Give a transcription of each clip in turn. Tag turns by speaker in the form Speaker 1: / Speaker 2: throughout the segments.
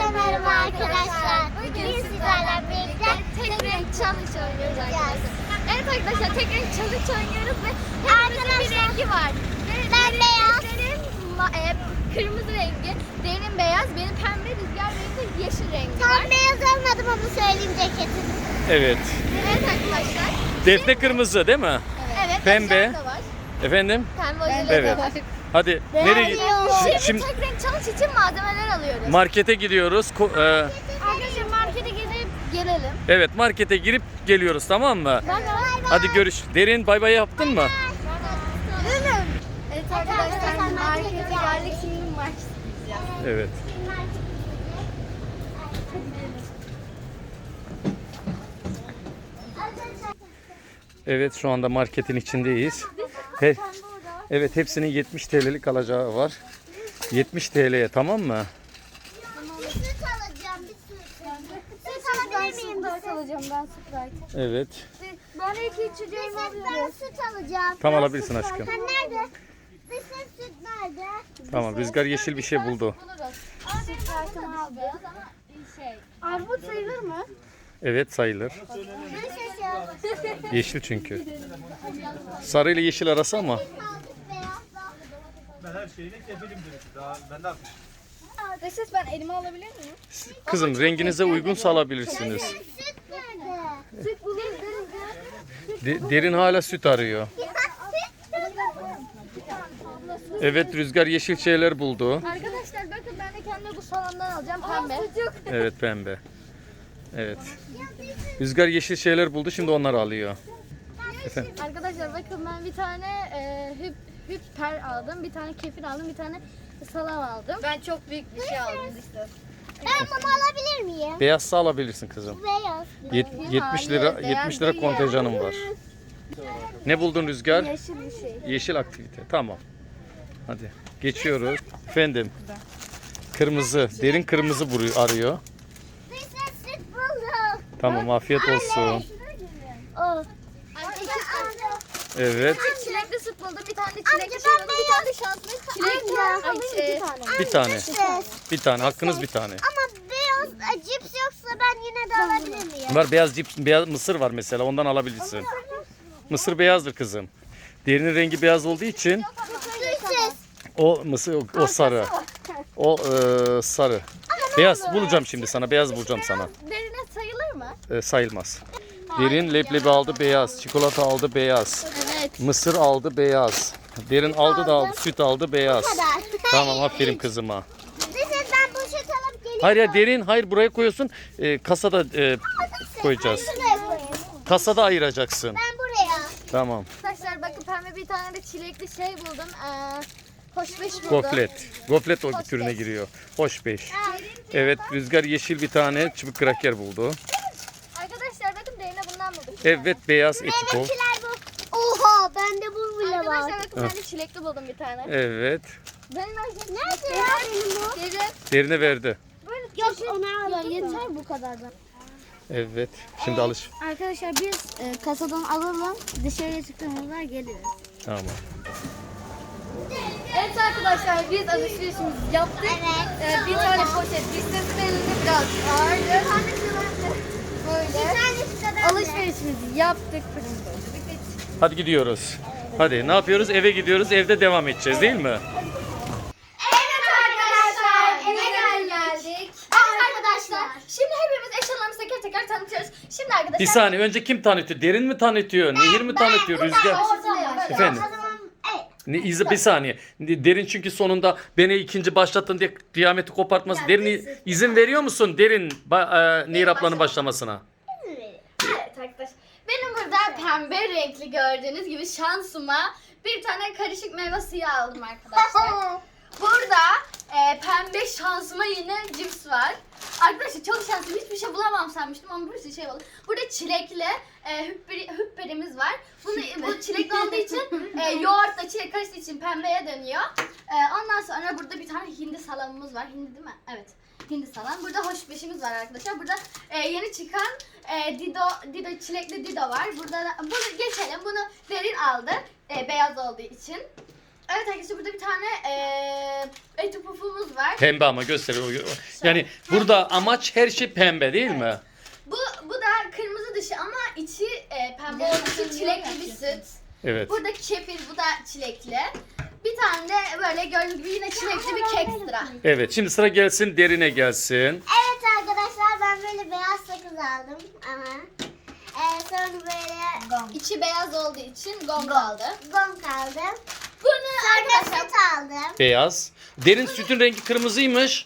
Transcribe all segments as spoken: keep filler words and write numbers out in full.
Speaker 1: Herkese merhaba arkadaşlar. Bugün sizlerle birlikte tek renk challenge oynuyoruz arkadaşlar. Evet arkadaşlar, tek renk challenge oynuyoruz ve hepimizin bir rengi var. Ben beyaz. Derin e, kırmızı rengi, derin beyaz, benim pembe, Rüzgar benim de yeşil rengi var. Tam beyaz almadım ama söyleyeyim ceketimi.
Speaker 2: Evet.
Speaker 1: Evet arkadaşlar.
Speaker 2: Defne kırmızı değil mi?
Speaker 1: Evet.
Speaker 2: Pembe.
Speaker 1: Da var.
Speaker 2: Efendim?
Speaker 1: Pembe ojeleri
Speaker 2: Evet.
Speaker 1: de var.
Speaker 2: Hadi nereye?
Speaker 1: Şimdi,
Speaker 2: Şimdi
Speaker 1: tek renk challenge için malzemeler alıyoruz.
Speaker 2: markete gidiyoruz. Ko- e,
Speaker 1: Arkadaşlar markete gidip gelelim.
Speaker 2: evet, markete girip geliyoruz, tamam mı?
Speaker 1: Bay bay.
Speaker 2: Hadi görüş. Derin bay bay yaptın mı?
Speaker 1: Evet arkadaşlar, markete geldik, şimdi market gideceğiz.
Speaker 2: Evet. Evet, şu anda marketin içindeyiz. He, evet, hepsinin yetmiş T L'lik alacağı var. yetmiş T L'ye, tamam mı?
Speaker 1: Bir süt alacağım, bir süt. Süt alabilir miyim? Ben süt alacağım, ben Sprite.
Speaker 2: Evet.
Speaker 1: Ben iki içeceğim alıyorum. Ben süt alacağım.
Speaker 2: Tam alabilirsin aşkım.
Speaker 1: Sen nerede? Bir süt süt nerede?
Speaker 2: Tamam, Rüzgar yeşil bir şey buldu.
Speaker 1: Sprite'ımı aldım. Armut sayılır mı?
Speaker 2: Evet, sayılır.
Speaker 1: Nasıl?
Speaker 2: Yeşil çünkü. Sarı ile yeşil arası ama.
Speaker 3: Ben her şeyine kefilim dedim. Daha ben de atmışım.
Speaker 1: Desiz, ben elime alabilir miyim?
Speaker 2: Kızım, renginize uygunsa alabilirsiniz.
Speaker 1: Süt nerede? Süt buluruz.
Speaker 2: De- derin hala süt arıyor. Evet, Rüzgar yeşil şeyler buldu.
Speaker 1: Arkadaşlar bakın, ben de kendime bu salondan alacağım, pembe.
Speaker 2: Evet, pembe. Evet. Rüzgar yeşil şeyler buldu, şimdi onları alıyor. Efendim?
Speaker 1: Arkadaşlar bakın, ben bir tane e, hüp, hüpper aldım, bir tane kefir aldım, bir tane salam aldım. Ben çok büyük bir şey aldım işte. Ben bunu alabilir miyim?
Speaker 2: Beyazsa alabilirsin kızım.
Speaker 1: Beyaz.
Speaker 2: Yet- yetmiş lira
Speaker 1: Hayır,
Speaker 2: yetmiş
Speaker 1: beyaz
Speaker 2: lira
Speaker 1: değil.
Speaker 2: kontenjanım var. Ne buldun Rüzgar?
Speaker 1: Yeşil bir şey.
Speaker 2: Yeşil aktivite. Tamam. Hadi geçiyoruz. Efendim. Kırmızı. Derin kırmızı buru- arıyor.
Speaker 1: Biz de süt bulduk.
Speaker 2: Tamam, afiyet olsun.
Speaker 1: O.
Speaker 2: Evet.
Speaker 1: Çilekli süt buldum, bir tane çilekli şey buldum, bir tane de şanslı çilekli. Ay, şey,
Speaker 2: Bir tane. Bir tane. Hakkınız bir tane.
Speaker 1: Ama beyaz e, cips yoksa ben yine de alabilir miyim?
Speaker 2: Var, beyaz cips, beyaz mısır var mesela. Ondan alabilirsin. Mısır beyazdır kızım. Derinin rengi beyaz olduğu için
Speaker 1: Sütsiz.
Speaker 2: o mısır o, o sarı. O e, sarı. Beyaz bulacağım şimdi sana. Beyaz bulacağım sana.
Speaker 1: Derine sayılır mı?
Speaker 2: E, sayılmaz. Derin leblebi aldı beyaz. Çikolata aldı beyaz.
Speaker 1: Evet.
Speaker 2: Mısır aldı beyaz. Derin aldı da aldı. Süt aldı beyaz.
Speaker 1: kadar.
Speaker 2: Tamam, aferin kızıma.
Speaker 1: Neyse, ben poşet alıp geliyorum.
Speaker 2: Hayır ya, derin hayır, buraya koyuyorsun. E, kasada e, koyacağız.
Speaker 1: Şuraya koyayım.
Speaker 2: Kasada ayıracaksın.
Speaker 1: Ben buraya.
Speaker 2: Tamam.
Speaker 1: Arkadaşlar bakın, pembe bir tane de çilekli şey buldum. Ee, hoş beş buldum.
Speaker 2: Goflet. Goflet o türüne giriyor. Hoş beş. Evet, Rüzgar yeşil bir tane çubuk kraker buldu.
Speaker 1: Arkadaşlar bakın, derine bundan bulduk.
Speaker 2: Evet, beyaz etiko.
Speaker 1: bu. Oha, bende bu bile var. Arkadaşlar bakın, ben de çilekli buldum bir tane.
Speaker 2: Evet.
Speaker 1: Benim nerede ya benim bu? Derin.
Speaker 2: Derine verdi.
Speaker 1: Yok, onu aldım. Ya yeter bu kadardan.
Speaker 2: Evet. Şimdi alış.
Speaker 1: Arkadaşlar biz e, kasadan alalım, dışarıya çıktığımızda geliriz.
Speaker 2: Tamam.
Speaker 1: Evet arkadaşlar, biz alışverişimizi yaptık. Evet. Ee, bir tane poşet, listesi elinde biraz ağırdı. Böyle alışverişimizi yaptık.
Speaker 2: Hadi gidiyoruz. Hadi ne yapıyoruz? Eve gidiyoruz. Evde devam edeceğiz, değil mi?
Speaker 1: Evet arkadaşlar, eve geldik. Evet arkadaşlar, şimdi hepimiz eşyalarımızı teker teker tanıtıyoruz. Şimdi arkadaşlar...
Speaker 2: Bir saniye, önce kim tanıtıyor? Derin mi tanıtıyor? Nehir mi tanıtıyor? Rüzgar. Efendim? Ne, iz- bir saniye. Derin çünkü sonunda beni ikinci başlattın diye kıyameti kopartması. Derin izin veriyor musun? Derin ba- e, Nehir ablanın başlamasına.
Speaker 1: Evet arkadaşlar, benim burada pembe renkli gördüğünüz gibi şansıma bir tane karışık meyve suyu aldım arkadaşlar. Burada e, pembe şansıma yine cips var. Arkadaşlar çok şanslıyım, hiçbir şey bulamam sanmıştım ama bir sürü şey buldum. Burada çilekli e, hüpperi, hüpperimiz var. Bunu, bu çilekli olduğu için e, yoğurtla çilek karıştığı için pembeye dönüyor. E, ondan sonra burada bir tane hindi salamımız var. Hindi değil mi? Evet. Hindi salam. Burada hoş beşimiz var arkadaşlar. Burada e, yeni çıkan e, Dido, Dido çilekli Dido var. Burada da, bunu geçelim. Bunu Derin aldı. E, beyaz olduğu için. Evet arkadaşlar burada bir tane eee eti pufumuz var.
Speaker 2: Pembe ama gösteriyor. Yani burada amaç her şey pembe değil mi?
Speaker 1: Bu bu da kırmızı dışı ama içi e, pembe olduğu için çilekli bir süt.
Speaker 2: Evet.
Speaker 1: Buradaki kefir, bu da çilekli. Bir tane de böyle gördüğünüz gibi yine çilekli bir kek sıra.
Speaker 2: Evet şimdi sıra gelsin derine gelsin.
Speaker 4: Evet arkadaşlar ben böyle beyaz sakız aldım ama e, sonra böyle
Speaker 1: İçi beyaz olduğu için gong aldı.
Speaker 4: gong aldım.
Speaker 1: Bunu
Speaker 4: Sonra
Speaker 1: arkadaşlar
Speaker 4: süt aldım.
Speaker 2: Beyaz. Derin sütün rengi kırmızıymış.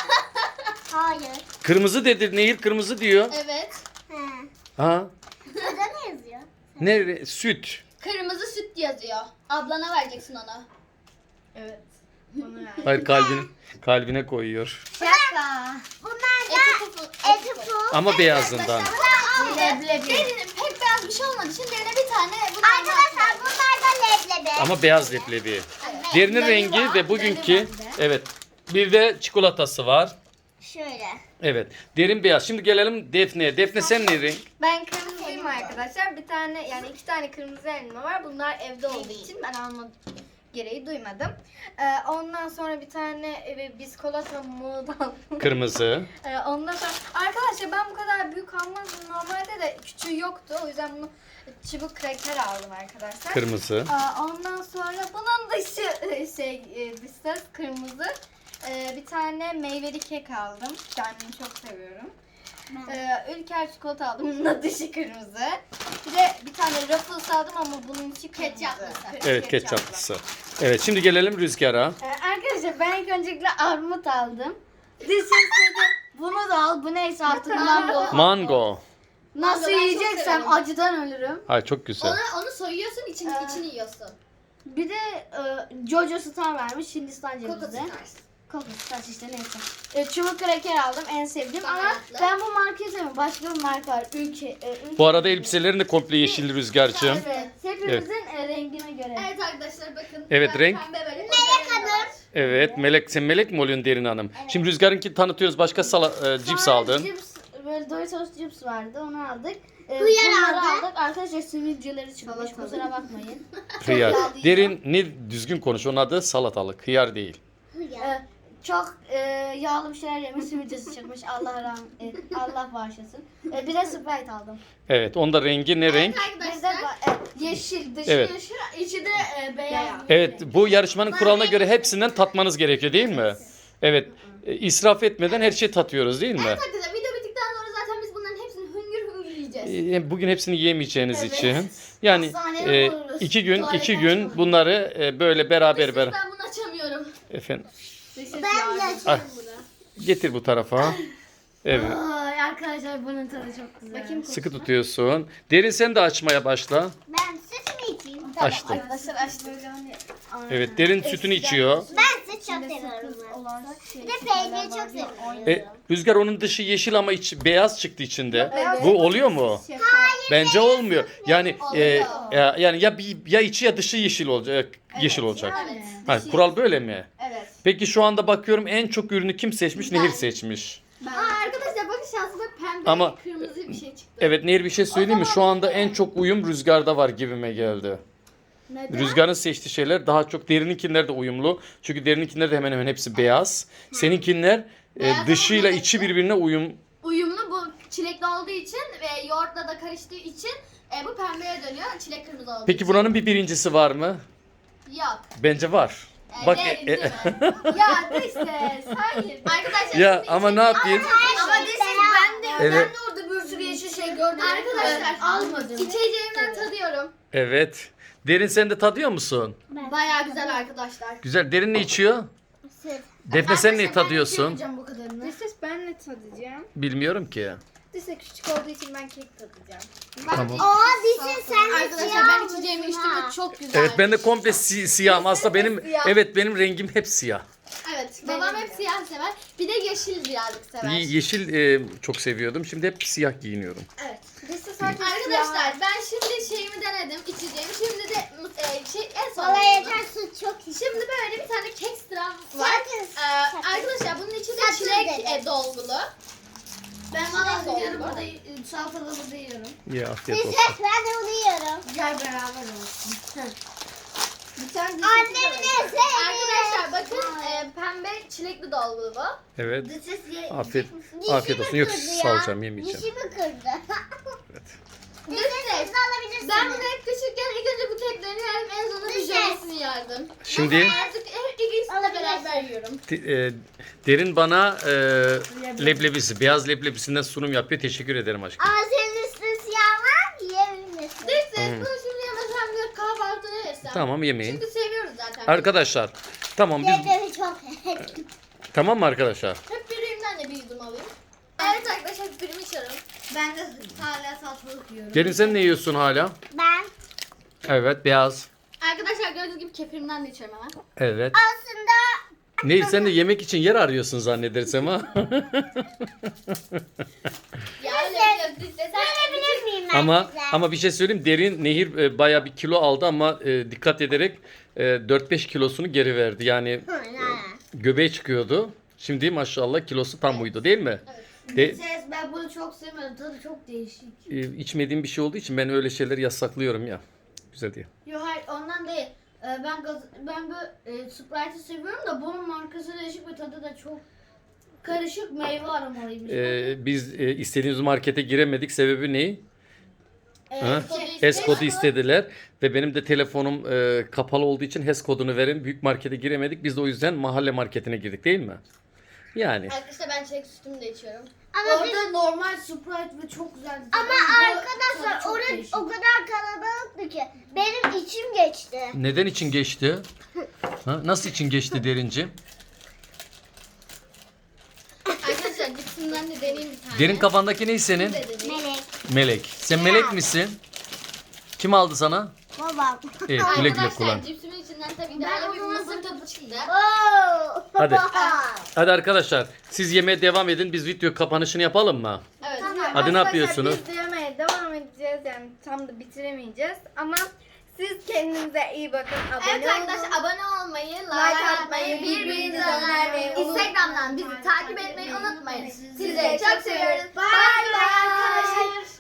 Speaker 4: Hayır.
Speaker 2: Kırmızı dedi. Nehir kırmızı diyor.
Speaker 1: evet.
Speaker 4: He.
Speaker 2: Ha?
Speaker 4: Burada ne yazıyor?
Speaker 2: Ne re- süt.
Speaker 1: Kırmızı süt yazıyor. Ablana vereceksin onu. Evet.
Speaker 2: Hayır kalbine kalbine koyuyor.
Speaker 4: Şaka. Bunlar
Speaker 1: Eti
Speaker 4: da
Speaker 1: pufu.
Speaker 4: eti puf.
Speaker 2: Ama beyazından.
Speaker 1: Leblebi. Derinin pek beyaz bir şey olmadığı için derine bir tane bundan
Speaker 4: Arkadaşlar bunlar da leblebi.
Speaker 2: Ama beyaz leblebi. Derinin
Speaker 1: Leblebi
Speaker 2: rengi
Speaker 1: var,
Speaker 2: ve bugünkü
Speaker 1: leblebi var.
Speaker 2: evet. Bir de çikolatası var.
Speaker 4: Şöyle.
Speaker 2: Evet. Derin beyaz. Şimdi gelelim Defne'ye. Defne sen ne renk?
Speaker 5: Ben kırmızıyım arkadaşlar. Bir tane yani iki tane kırmızı elma var. Bunlar evde olduğu için ben alma gereği duymadım. Ee, ondan sonra bir tane e, biskolata modan.
Speaker 2: Kırmızı.
Speaker 5: Ee, ondan sonra arkadaşlar ben bu kadar büyük almazdım. Normalde de küçüğü yoktu. O yüzden bunu çubuk kraker aldım arkadaşlar.
Speaker 2: Kırmızı.
Speaker 5: Aa, ondan sonra bunun dışı e, şey e, dışı kırmızı. Ee, bir tane meyveli kek aldım. Kendimi çok seviyorum. Ee, Ülker çikolata aldım. Bunun da dışı kırmızı. Bir de bir tane Ruffles aldım ama bunun içi kırmızı.
Speaker 1: Ketçaplısı.
Speaker 5: Kı-
Speaker 2: Evet ketçaplısı. Evet şimdi gelelim Rüzgar'a.
Speaker 5: Ee, arkadaşlar ben ilk öncelikle armut aldım. Dışı dedi bunu da al. Bu neyse artık mango.
Speaker 2: Mango.
Speaker 5: Nasıl
Speaker 1: Mango ben çok
Speaker 5: yiyeceksem
Speaker 1: severim.
Speaker 5: acıdan ölürüm.
Speaker 2: Ay çok güzel.
Speaker 1: Onu, onu soyuyorsun, içini,
Speaker 5: Ee,
Speaker 1: içini yiyorsun.
Speaker 5: Bir de e, Jojo Star vermiş Hindistan
Speaker 1: Coco
Speaker 5: cevizi.
Speaker 1: Stars.
Speaker 5: Coco Stars işte neyse. E, çubuk kraker aldım en sevdiğim ama
Speaker 1: Baharatlı.
Speaker 5: ben bu markayı sevmiyorum. Başka bir marka var. Ülke. E, ülke
Speaker 2: Bu arada elbiselerin de komple yeşil Rüzgar'cığım.
Speaker 5: Evet. Hepimizin e, rengine göre.
Speaker 1: Evet arkadaşlar bakın.
Speaker 2: Evet,
Speaker 1: ben
Speaker 2: renk.
Speaker 1: Pembe böyle.
Speaker 4: Melek Hanım.
Speaker 2: Evet Melek sen Melek mi oluyorsun Derin Hanım? Şimdi Rüzgar'ınki tanıtıyoruz. Başka sala, e, cips
Speaker 5: Sonra
Speaker 2: aldın.
Speaker 5: Cips, böyle Doritos cips vardı onu aldık. E,
Speaker 4: Hıyar
Speaker 5: bunları
Speaker 4: aldık.
Speaker 5: aldık. Arkadaşlar sivilceleri çıkmış. Kusura bakmayın.
Speaker 2: Hıyar.
Speaker 5: yağlı değil.
Speaker 2: Derin ne düzgün konuş. Onun adı salatalık. Hıyar değil.
Speaker 5: E, çok e, yağlı bir şeyler yemiş sivilcesi çıkmış. Allah rahmet, e, Allah bağışlasın. E, bir de Sprite aldım.
Speaker 2: Evet onda rengi ne renk?
Speaker 5: Bir de
Speaker 1: Arkadaşlar.
Speaker 5: ba- e, yeşil dışı
Speaker 2: Evet.
Speaker 5: yeşil.
Speaker 1: İçi de e, beyaz.
Speaker 2: Evet bu yarışmanın kuralına göre hepsinden tatmanız gerekiyor değil mi? Evet. E, israf etmeden her şeyi tatıyoruz değil mi?
Speaker 1: Evet arkadaşlar video bittikten sonra zaten biz bunların hepsini hüngür hüngür yiyeceğiz.
Speaker 2: E, Bugün hepsini yiyemeyeceğiniz
Speaker 1: Evet.
Speaker 2: için. Yani
Speaker 5: Hastaneye
Speaker 2: e,
Speaker 5: vururuz.
Speaker 2: iki gün iki
Speaker 5: Tuvaletten
Speaker 2: gün
Speaker 5: sonra.
Speaker 2: bunları e, böyle beraber
Speaker 1: Siz,
Speaker 2: beraber.
Speaker 1: ben bunu açamıyorum.
Speaker 2: Efendim
Speaker 4: Ben de
Speaker 2: Ay.
Speaker 4: açayım bunu.
Speaker 2: getir bu tarafa. Evet.
Speaker 5: Ay arkadaşlar bunun tadı çok güzel. Bakayım
Speaker 2: Sıkı tutuyorsun. Derin sen de açmaya başla.
Speaker 4: Ben süt mü içeyim?
Speaker 2: Açtım.
Speaker 5: Arkadaşlar açtım.
Speaker 2: Evet derin sütünü içiyor.
Speaker 4: Ben süt çok seviyorum. Bir de peyniri çok seviyorum.
Speaker 2: E, Rüzgar onun dışı yeşil ama içi beyaz çıktı içinde.
Speaker 5: Evet.
Speaker 2: Bu oluyor mu? Bence olmuyor. Yani e, ya, yani ya bir ya içi ya dışı yeşil olacak. Yeşil olacak.
Speaker 1: Evet.
Speaker 2: Ha, kural böyle mi?
Speaker 5: Evet.
Speaker 2: Peki şu anda bakıyorum en çok ürünü kim seçmiş? Nehir seçmiş.
Speaker 1: Aa, arkadaşlar bakın şansıma pembe
Speaker 2: Ama-
Speaker 1: kırmızı bir şey çıktı.
Speaker 2: Evet Nehir bir şey söyleyeyim mi? Şu anda en çok uyum Rüzgar'da var gibime geldi.
Speaker 5: Neden?
Speaker 2: Rüzgar'ın seçtiği şeyler daha çok derininkiler de uyumlu. Çünkü derininkiler de hemen hemen hepsi beyaz. Seninkiler e,
Speaker 1: Beyaz
Speaker 2: dışıyla
Speaker 1: ama
Speaker 2: içi birbirine uyum.
Speaker 1: Uyumlu bu çilekli olduğu için ve yoğurtla da karıştığı için e, bu pembeye dönüyor. Çilek kırmızı olduğu
Speaker 2: Peki
Speaker 1: için.
Speaker 2: buranın bir birincisi var mı?
Speaker 1: Yok.
Speaker 2: Bence var.
Speaker 1: E,
Speaker 2: Bak
Speaker 1: değil,
Speaker 2: e-
Speaker 1: değil
Speaker 2: e-
Speaker 1: mi?
Speaker 5: Ya dışses hayır.
Speaker 1: Arkadaşlar
Speaker 2: ya
Speaker 1: şimdi
Speaker 2: ama ne yapayım?
Speaker 5: Ama dışses ben de
Speaker 2: Evet.
Speaker 5: ben de orada bir sürü yeşil şey gördüm.
Speaker 1: Arkadaşlar
Speaker 5: almadım.
Speaker 1: içeceğimden tadıyorum.
Speaker 2: Evet. Derin sen de tadıyor musun?
Speaker 1: Baya güzel arkadaşlar.
Speaker 2: Güzel. Derin ne içiyor?
Speaker 4: Süt.
Speaker 2: Defne sen ne tadıyorsun?
Speaker 5: bu kadarını. Dışses ben ne tadacağım?
Speaker 2: Bilmiyorum ki.
Speaker 5: Dışses küçük olduğu için ben kek tadacağım.
Speaker 2: Tamam.
Speaker 4: Aa dişin sen de
Speaker 1: Arkadaşlar
Speaker 4: siyah
Speaker 1: ben
Speaker 4: olmuşsun
Speaker 1: içeceğimi içtim
Speaker 4: ha.
Speaker 1: ve çok güzel.
Speaker 2: Evet ben de komple si- siyahım. Aslında benim
Speaker 5: Siyah.
Speaker 2: evet benim rengim hep siyah.
Speaker 1: Evet babam hep siyah sever. Bir de yeşil birazcık sever.
Speaker 2: Ye- Yeşil e, çok seviyordum. Şimdi hep siyah giyiniyorum.
Speaker 1: Evet.
Speaker 5: Dışses
Speaker 1: Arkadaşlar ben şimdi şeyimi denedim içeceğimi. Şimdi de e, şey en son.
Speaker 4: Valla yeter süt çok iyi.
Speaker 1: Şimdi böyle bir tane kek sıram var.
Speaker 4: Sakız.
Speaker 1: Ee, arkadaşlar bunun içi de
Speaker 4: Sakız
Speaker 1: çilek
Speaker 4: dedi.
Speaker 1: e, dolgulu. Ben valla
Speaker 5: Yiyorum
Speaker 1: dolgulu.
Speaker 5: burada e, salatalı burada yiyorum.
Speaker 2: Ya afiyet olsun.
Speaker 4: Süt ben de onu yiyorum.
Speaker 5: Gel beraber olsun. Bir tane dış
Speaker 4: Annemin en sevdiği.
Speaker 1: Arkadaşlar bakın e, pembe çilekli dolgu bu.
Speaker 2: Evet.
Speaker 5: Dış ses ye.
Speaker 2: Afiyet,
Speaker 4: Dişimi
Speaker 2: afiyet olsun. Yok
Speaker 4: kırdı
Speaker 2: salacağım yemeyeceğim.
Speaker 4: Dişimi kırdı.
Speaker 2: Evet.
Speaker 4: Dış ses alabilirsiniz.
Speaker 1: Ben bunu hep küçükken ilk önce bu teklerini yerdim, en sonunda bir
Speaker 4: Dış ses.
Speaker 1: jölesin yerdim.
Speaker 2: Şimdi
Speaker 1: Artık hep ikisini de beraber yiyorum.
Speaker 2: de- e, Derin bana e, leblebisi, beyaz leblebisinden sunum yapıyor. Teşekkür ederim aşkım.
Speaker 4: Ama senin üstün siyah var yiyebilirsin.
Speaker 1: Dış ses bunu şimdi yemesem de kahvaltıda yesem.
Speaker 2: Tamam yemeyin.
Speaker 1: Çünkü seviyoruz zaten.
Speaker 2: Arkadaşlar tamam biz
Speaker 4: Leblebi çok sevdim.
Speaker 2: tamam mı arkadaşlar?
Speaker 1: Hep birimden de bir yudum alayım. Evet arkadaşlar hep birimi içiyorum.
Speaker 5: Ben de hala salçalık yiyorum.
Speaker 2: Derin sen ne yiyorsun hala?
Speaker 4: Ben
Speaker 2: Evet beyaz.
Speaker 1: Arkadaşlar gördüğünüz gibi kefirimden de içiyorum hemen.
Speaker 2: Evet.
Speaker 4: aslında
Speaker 2: Neyse sen de yemek için yer arıyorsun zannedersem ha.
Speaker 1: Ya öyle bir dış ses.
Speaker 4: görebilir miyim ben
Speaker 2: ama
Speaker 4: size?
Speaker 2: ama bir şey söyleyeyim. Derin Nehir e, bayağı bir kilo aldı ama e, dikkat ederek e, dört beş kilosunu geri verdi. Yani
Speaker 4: Hı, ne?
Speaker 2: göbeği çıkıyordu. Şimdi maşallah kilosu tam uydu değil mi? De,
Speaker 5: Ses ben bunu çok sevmiyorum. Tadı çok değişik.
Speaker 2: e, içmediğim bir şey olduğu için ben öyle şeyleri yasaklıyorum ya. Güzel diye.
Speaker 1: Yok hayır ondan değil. Ee, Ben gaz, ben bu e, Sprite'ı seviyorum da bunun markası değişik ve tadı da çok karışık meyve aromalıymış.
Speaker 2: E, biz e, istediğimiz markete giremedik. Sebebi ne? Ha?
Speaker 1: H
Speaker 2: HES kodu istediler ve benim de telefonum e, kapalı olduğu için HES kodunu verin. Büyük markete giremedik. Biz de o yüzden mahalle marketine girdik değil mi? Yani.
Speaker 1: Arkadaşlar ben çilek sütümü de içiyorum.
Speaker 4: Ama biz,
Speaker 5: Orada normal Sprite ve çok güzeldi.
Speaker 4: ama
Speaker 5: Bu
Speaker 4: arkadaşlar
Speaker 5: tadı çok
Speaker 4: orası
Speaker 5: değişik.
Speaker 4: o kadar kalabalıktı ki benim içim geçti.
Speaker 2: Neden için geçti? Ha? Nasıl için geçti Derinci?
Speaker 1: Arkadaşlar cipsimden de deneyeyim bir tane.
Speaker 2: Derin kafandaki ne senin?
Speaker 1: Bir de deneyeyim.
Speaker 4: Melek,
Speaker 2: Melek. Sen melek misin? Kim aldı sana?
Speaker 4: babam.
Speaker 2: Evet, güle güle
Speaker 1: Arkadaşlar
Speaker 2: kullan.
Speaker 1: cipsimin içinden tabii ki de bir mısır tadı çıktı.
Speaker 4: Oo.
Speaker 2: Hadi. Hadi arkadaşlar siz yemeğe devam edin. Biz video kapanışını yapalım mı?
Speaker 1: Evet.
Speaker 5: Tamam.
Speaker 2: Hadi ne
Speaker 5: Arkadaşlar,
Speaker 2: yapıyorsunuz?
Speaker 5: Biz de yemeye devam edeceğiz yani tam da bitiremeyeceğiz ama siz kendinize iyi bakın. Abone
Speaker 1: Evet
Speaker 5: olun.
Speaker 1: arkadaşlar abone olmayı, like,
Speaker 5: Like
Speaker 1: atmayı,
Speaker 5: atmayı,
Speaker 1: birbirinize
Speaker 5: birbirinize
Speaker 1: önermeyi,
Speaker 5: önermeyi
Speaker 1: Instagram'dan bizi takip etmeyi unutmayın. Sizleri çok seviyoruz. Bye bye.